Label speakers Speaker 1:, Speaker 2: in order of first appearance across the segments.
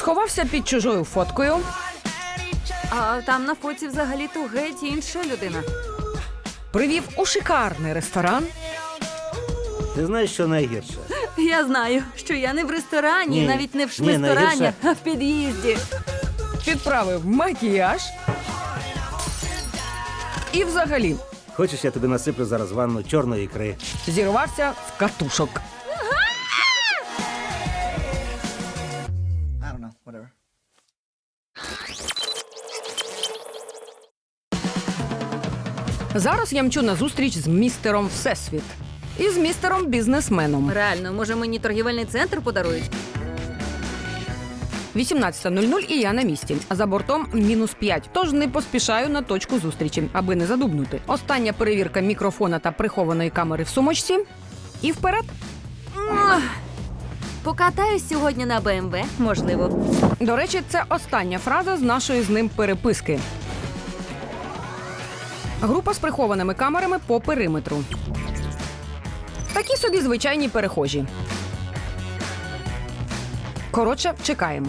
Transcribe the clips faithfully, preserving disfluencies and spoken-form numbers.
Speaker 1: Сховався під чужою фоткою.
Speaker 2: А там на фоці взагалі-то геть інша людина.
Speaker 1: Привів у шикарний ресторан.
Speaker 3: Ти знаєш, що найгірше?
Speaker 2: Я знаю, що я не в ресторані,
Speaker 3: Ні.
Speaker 2: навіть не в
Speaker 3: Ні,
Speaker 2: шмисторані,
Speaker 3: найгірше-
Speaker 2: а в під'їзді.
Speaker 1: Підправив макіяж. І взагалі
Speaker 3: Хочеш, я тобі насиплю зараз ванну чорної ікри?
Speaker 1: зірвався з катушок.
Speaker 4: I don't know, whatever.
Speaker 1: Зараз я мчу на зустріч з містером Всесвіт. І з містером бізнесменом.
Speaker 2: Реально, може мені торгівельний центр подарують?
Speaker 1: вісімнадцята нуль нуль і я на місці. За бортом мінус п'ять, тож не поспішаю на точку зустрічі, аби не задубнути. Остання перевірка мікрофона та прихованої камери в сумочці. І вперед.
Speaker 2: Ох, покатаюсь сьогодні на БМВ, можливо.
Speaker 1: До речі, це остання фраза з нашої з ним переписки. Група з прихованими камерами по периметру. Такі собі звичайні перехожі. Коротше, чекаємо.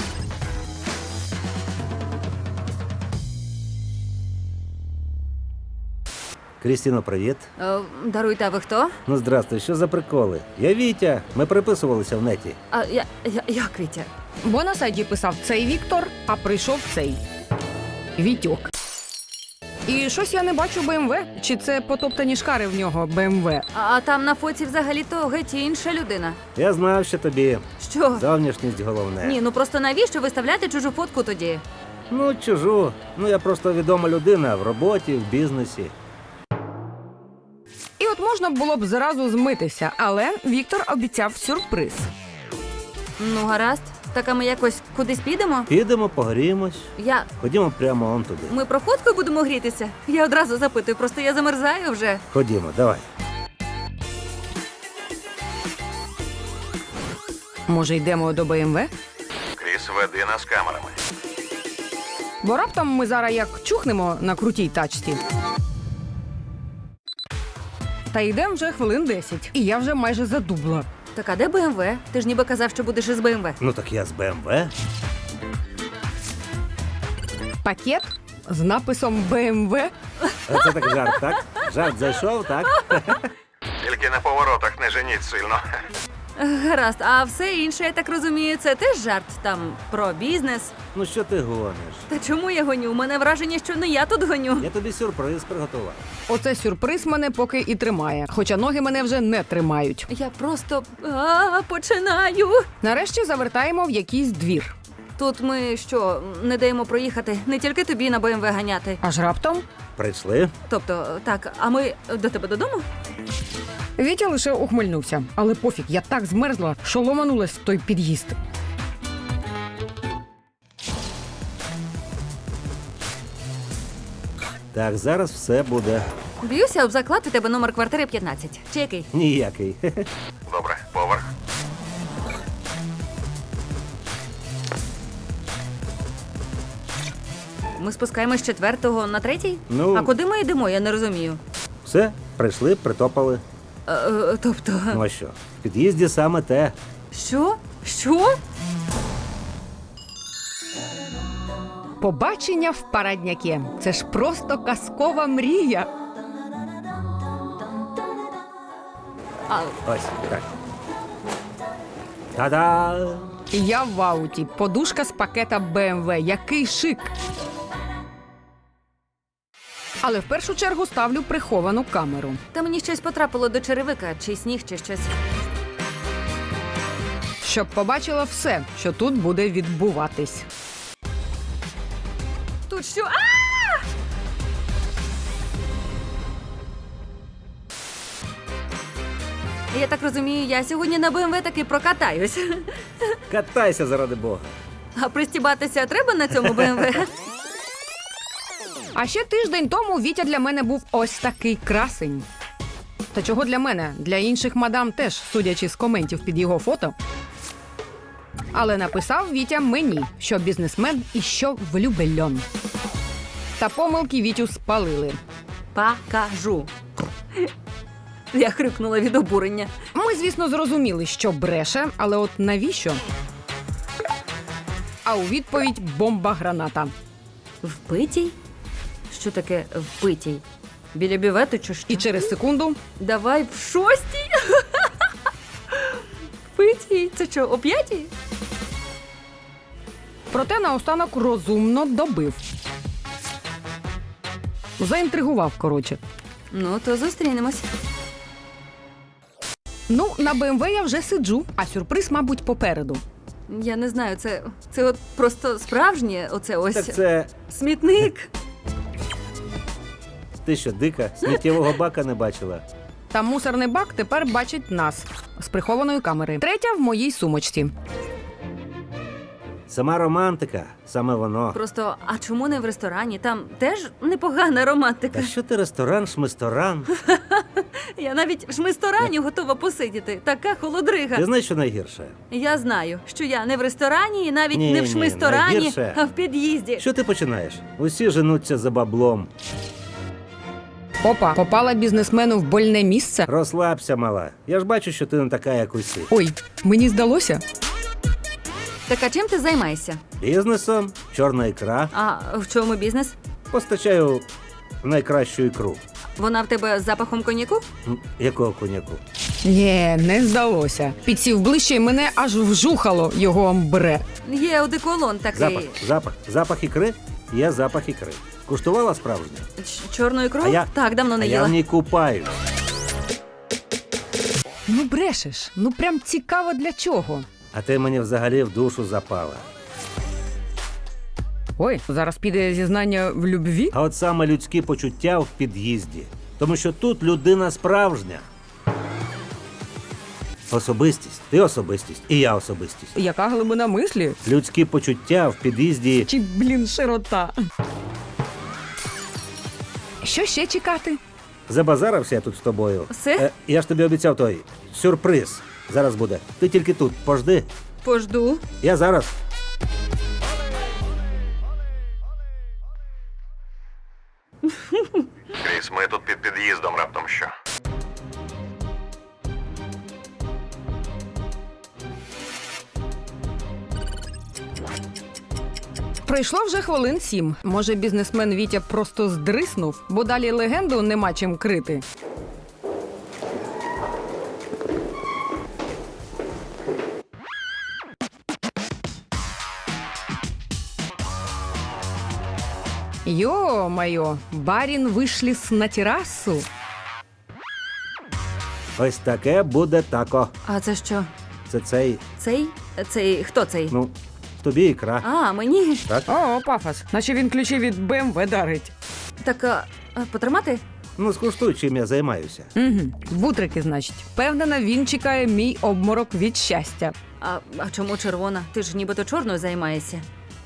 Speaker 3: Крістіно, привіт.
Speaker 2: Е, даруйте, а ви хто?
Speaker 3: Ну, здрастуй, що за приколи? Я Вітя, ми переписувалися в неті.
Speaker 2: А я, я, як Вітя?
Speaker 1: Бо на сайті писав цей Віктор, а прийшов цей Вітьок. І щось я не бачу БМВ. Чи це потоптані шкари в нього БМВ?
Speaker 2: А, а там на фоці взагалі-то геть інша людина.
Speaker 3: Я знав, що тобі
Speaker 2: Що?
Speaker 3: зовнішність головне.
Speaker 2: Ні, ну просто навіщо виставляти чужу фотку тоді?
Speaker 3: Ну, чужу. Ну, я просто відома людина в роботі, в бізнесі.
Speaker 1: І от можна було б зразу змитися, але Віктор обіцяв сюрприз.
Speaker 2: Ну, гаразд. Так, а ми якось кудись підемо?
Speaker 3: Підемо, погріємось.
Speaker 2: Я...
Speaker 3: Ходімо прямо он туди.
Speaker 2: Ми про фотку будемо грітися? Я одразу запитую, просто я замерзаю вже.
Speaker 3: Ходімо, давай.
Speaker 1: Може, йдемо до БМВ?
Speaker 5: Кріс, веди нас камерами.
Speaker 1: Бо раптом ми зараз як чухнемо на крутій тачці. Та йдемо вже хвилин десять. І я вже майже задубла.
Speaker 2: Так, а де БМВ? Ти ж ніби казав, що будеш із БМВ.
Speaker 3: Ну, так я з БМВ.
Speaker 1: Пакет з написом БМВ.
Speaker 3: А це так жарт, так? Жарт зайшов, так?
Speaker 5: Тільки на поворотах не женіть сильно.
Speaker 2: Гаразд, а все інше, я так розумію, це теж жарт там про бізнес.
Speaker 3: Ну, що ти гониш?
Speaker 2: Та чому я гоню? У мене враження, що не я тут гоню.
Speaker 3: Я тобі сюрприз приготував.
Speaker 1: Оце сюрприз мене поки і тримає. Хоча ноги мене вже не тримають.
Speaker 2: Я просто а, починаю.
Speaker 1: Нарешті завертаємо в якийсь двір.
Speaker 2: Тут ми що, не даємо проїхати? Не тільки тобі на БМВ ганяти.
Speaker 1: Аж раптом
Speaker 3: Прийшли?
Speaker 2: Тобто, так, а ми до тебе додому?
Speaker 1: Вітя лише ухмильнувся. Але пофіг, я так змерзла, що ломанулась в той під'їзд.
Speaker 3: Так, зараз все буде
Speaker 2: Б'юся об заклад, у тебе номер квартири п'ятнадцять. Чи який?
Speaker 3: ніякий.
Speaker 5: Добре, поверх.
Speaker 2: Ми спускаємось з четвертого на третій?
Speaker 3: Ну-
Speaker 2: А куди ми йдемо, я не розумію.
Speaker 3: Все, прийшли, притопали.
Speaker 2: Е, е, тобто,
Speaker 3: Ну а що? В під'їзді саме те.
Speaker 2: що? Що?
Speaker 1: Побачення в парадняке. Це ж просто казкова мрія.
Speaker 2: А,
Speaker 3: Ось, так. Та-да!
Speaker 1: Я в ауті. Подушка з пакета БМВ. Який шик! Але в першу чергу ставлю приховану камеру.
Speaker 2: та мені щось потрапило до черевика, чи сніг, чи щось.
Speaker 1: Щоб побачила все, що тут буде відбуватись.
Speaker 2: Тут що? А! Я так розумію, я сьогодні на БМВ таки прокатаюсь.
Speaker 3: Катайся заради Бога.
Speaker 2: А пристібатися треба на цьому БМВ?
Speaker 1: А ще тиждень тому Вітя для мене був ось такий красень. Та чого для мене? Для інших мадам теж, судячи з коментів під його фото. Але написав Вітя мені, що бізнесмен і що влюбельон. Та помилки Вітю спалили.
Speaker 2: Покажу. Я хрюкнула від обурення.
Speaker 1: Ми, звісно, зрозуміли, що бреше, але от навіщо? а у відповідь бомба-граната.
Speaker 2: Впитій? Що таке впитій? Біля бювету чи що?
Speaker 1: І через секунду
Speaker 2: Давай в шостій? Впитій? Це що, о п'ятій?
Speaker 1: проте наостанок розумно добив. Заінтригував, коротше.
Speaker 2: Ну, то зустрінемось.
Speaker 1: Ну, на Б М В я вже сиджу, а сюрприз, мабуть, попереду.
Speaker 2: Я не знаю, це, це от просто справжнє, оце ось
Speaker 3: Так це
Speaker 2: смітник.
Speaker 3: ти що, дика? Сміттєвого бака не бачила?
Speaker 1: Та мусорний бак тепер бачить нас з прихованої камери. Третя в моїй сумочці.
Speaker 3: Сама романтика, саме воно.
Speaker 2: Просто, а чому не в ресторані? Там теж непогана романтика.
Speaker 3: Та що ти ресторан, шмисторан?
Speaker 2: Я навіть в шмисторані готова посидіти. Така холодрига.
Speaker 3: Ти знаєш, що найгірше?
Speaker 2: Я знаю, що я не в ресторані і навіть
Speaker 3: Ні,
Speaker 2: не в
Speaker 3: ні,
Speaker 2: шмисторані,
Speaker 3: найгірше.
Speaker 2: а в під'їзді.
Speaker 3: Що ти починаєш? Усі женуться за баблом.
Speaker 1: Опа, попала бізнесмену в больне місце.
Speaker 3: Розслабся, мала. Я ж бачу, що ти не така, як усі.
Speaker 1: Ой, мені здалося.
Speaker 2: Так а чим ти займаєшся?
Speaker 3: Бізнесом, чорна ікра.
Speaker 2: А в чому бізнес?
Speaker 3: Постачаю найкращу ікру.
Speaker 2: Вона в тебе з запахом коньяку?
Speaker 3: М, Якого коняку?
Speaker 1: Ні, не здалося. Підсів ближче і мене аж вжухало його амбре.
Speaker 2: Є одеколон такий.
Speaker 3: Запах, запах, запах ікри? Є запах ікри. Куштувала справжнє?
Speaker 2: Ч- Чорну ікру?
Speaker 3: А я-
Speaker 2: Так, давно не
Speaker 3: А я
Speaker 2: їла.
Speaker 3: в ній купаюсь.
Speaker 1: Ну брешеш, ну прям цікаво для чого.
Speaker 3: А ти мені взагалі в душу запала.
Speaker 1: Ой, зараз піде зізнання в любві.
Speaker 3: А от саме людські почуття в під'їзді. Тому що тут людина справжня. Особистість. Ти особистість. І я особистість.
Speaker 1: Яка глибина мислі?
Speaker 3: Людські почуття в під'їзді.
Speaker 1: Чи, блін, широта. Що ще чекати?
Speaker 3: Забазарився я тут з тобою.
Speaker 2: Все?
Speaker 3: Е, я ж тобі обіцяв той сюрприз. Зараз буде. Ти тільки тут. Пожди.
Speaker 2: Пожду.
Speaker 3: Я зараз.
Speaker 5: Кріс, ми тут під під'їздом раптом що.
Speaker 1: Пройшло вже хвилин сім. Може, бізнесмен Вітя просто здриснув, бо далі легенду нема чим крити. Ё-моё, барін вишліс на терасу.
Speaker 3: Ось таке буде тако.
Speaker 2: А це що?
Speaker 3: Це цей,
Speaker 2: Цей? Цей хто цей?
Speaker 3: ну, тобі ікра.
Speaker 2: А, мені.
Speaker 3: Так?
Speaker 1: О, пафос, наче він ключі від Б М В дарить.
Speaker 2: Так, а, а, потримати?
Speaker 3: Ну, скуштуй, чим я займаюся.
Speaker 1: Угу. Бутрики, значить. Впевнена, він чекає мій обморок від щастя.
Speaker 2: А, а чому червона? Ти ж нібито чорною займаєшся.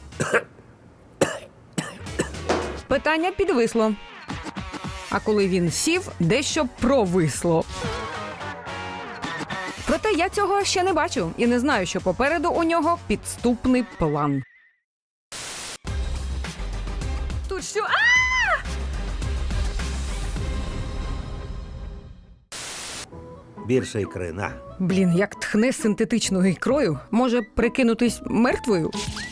Speaker 1: Питання підвисло. А коли він сів, дещо провисло. Проте я цього ще не бачу і не знаю, що попереду у нього підступний план.
Speaker 2: Тут що? А!
Speaker 3: Більше ікри, на.
Speaker 1: Блін, як тхне синтетичною ікрою, може прикинутись мертвою?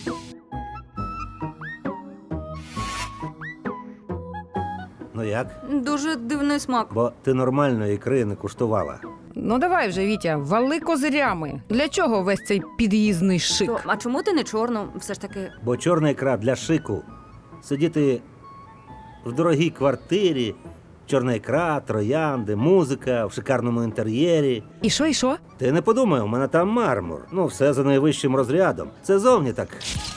Speaker 3: Ну як?
Speaker 2: Дуже дивний смак.
Speaker 3: Бо ти нормальної ікри не куштувала.
Speaker 1: Ну давай вже, Вітя, вали козирями. Для чого весь цей під'їзний шик?
Speaker 2: То, а чому ти не чорну? Все ж таки.
Speaker 3: Бо чорна ікра для шику. Сидіти в дорогій квартирі, чорна ікра, троянди, музика в шикарному інтер'єрі.
Speaker 1: І що, і що?
Speaker 3: Ти не подумай, у мене там мармур. Ну, все за найвищим розрядом. Це зовні так.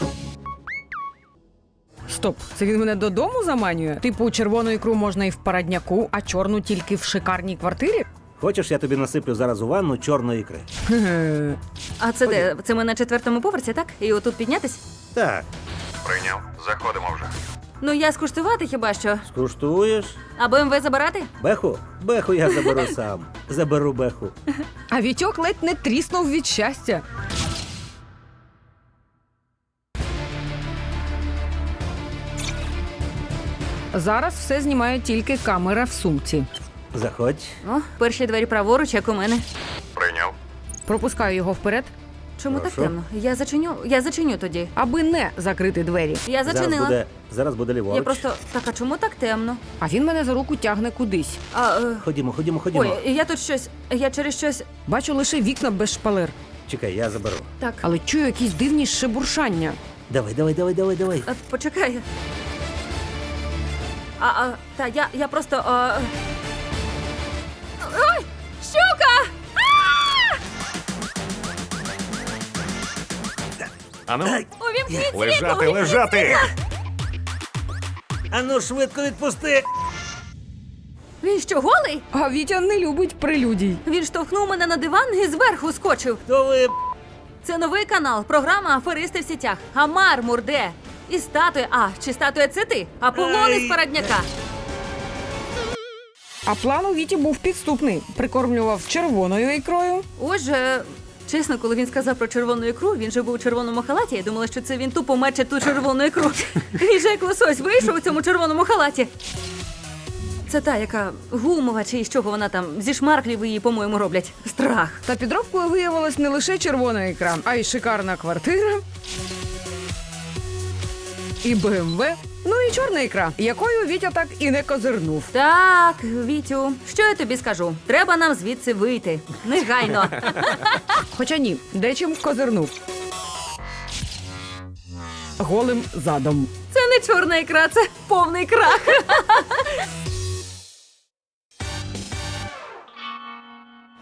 Speaker 1: Стоп, це він мене додому заманює? Типу, червону ікру можна і в парадняку, а чорну тільки в шикарній квартирі?
Speaker 3: Хочеш, я тобі насиплю зараз у ванну чорної ікри?
Speaker 1: Ге-ге.
Speaker 2: А це де? Це ми на четвертому поверсі, так? І отут піднятись?
Speaker 3: Так,
Speaker 5: Прийняв. Заходимо вже.
Speaker 2: Ну я скуштувати хіба що.
Speaker 3: скуштуєш?
Speaker 2: А Б М В забирати?
Speaker 3: Беху? Беху я заберу сам. Заберу беху.
Speaker 1: А Вітьок ледь не тріснув від щастя. Зараз все знімає тільки камера в сумці.
Speaker 3: Заходь.
Speaker 2: О, перші двері праворуч, як у мене.
Speaker 5: Прийняв.
Speaker 1: Пропускаю його вперед.
Speaker 2: Чому
Speaker 3: Прошу?
Speaker 2: так темно? Я зачиню, я зачиню тоді.
Speaker 1: Аби не закрити двері.
Speaker 2: Я
Speaker 3: Зараз
Speaker 2: зачинила.
Speaker 3: буде, зараз буде ліворуч.
Speaker 2: Я просто. Так, а чому так темно?
Speaker 1: А він мене за руку тягне кудись.
Speaker 2: А, е...
Speaker 3: Ходімо, ходімо, ходімо.
Speaker 2: Ой, я тут щось. Я через щось.
Speaker 1: Бачу лише вікна без шпалер,
Speaker 3: Чекай, я заберу.
Speaker 2: Так.
Speaker 1: але чую якісь дивні шебуршання.
Speaker 3: Давай, давай, давай, давай, давай.
Speaker 2: А, почекай. А, а, та я, я просто. А... Ой! Щука!
Speaker 5: Ану,
Speaker 2: Увімкніть
Speaker 5: лежати,
Speaker 2: світло!
Speaker 5: лежати!
Speaker 3: Ану, швидко відпусти!
Speaker 2: Він що, голий?
Speaker 1: А Вітя не любить прелюдій.
Speaker 2: Він штовхнув мене на диван і зверху скочив.
Speaker 3: То ви...
Speaker 2: Це новий канал, програма Аферисти в сітях. А мармур де? І статуя. А, чи статуя це ти? Аполлон
Speaker 3: Ай.
Speaker 2: із Парадняка.
Speaker 1: А план у Віті був підступний. Прикормлював червоною ікрою.
Speaker 2: Отже, чесно, коли він сказав про червону ікру, він же був у червоному халаті. Я думала, що це він тупо мече ту червону ікру. Він же як лосось вийшов у цьому червоному халаті. Це та, яка гумова, чи з чого вона там, зі шмарклів її, по-моєму, роблять. Страх.
Speaker 1: Та підробкою виявилась не лише червона ікра, а й шикарна квартира. І БМВ. Ну і чорна ікра, якою Вітя так і не козирнув.
Speaker 2: Так, Вітю, що я тобі скажу? Треба нам звідси вийти. Негайно.
Speaker 1: Хоча ні, дечим козирнув. Голим задом.
Speaker 2: Це не чорна ікра, це повний крах.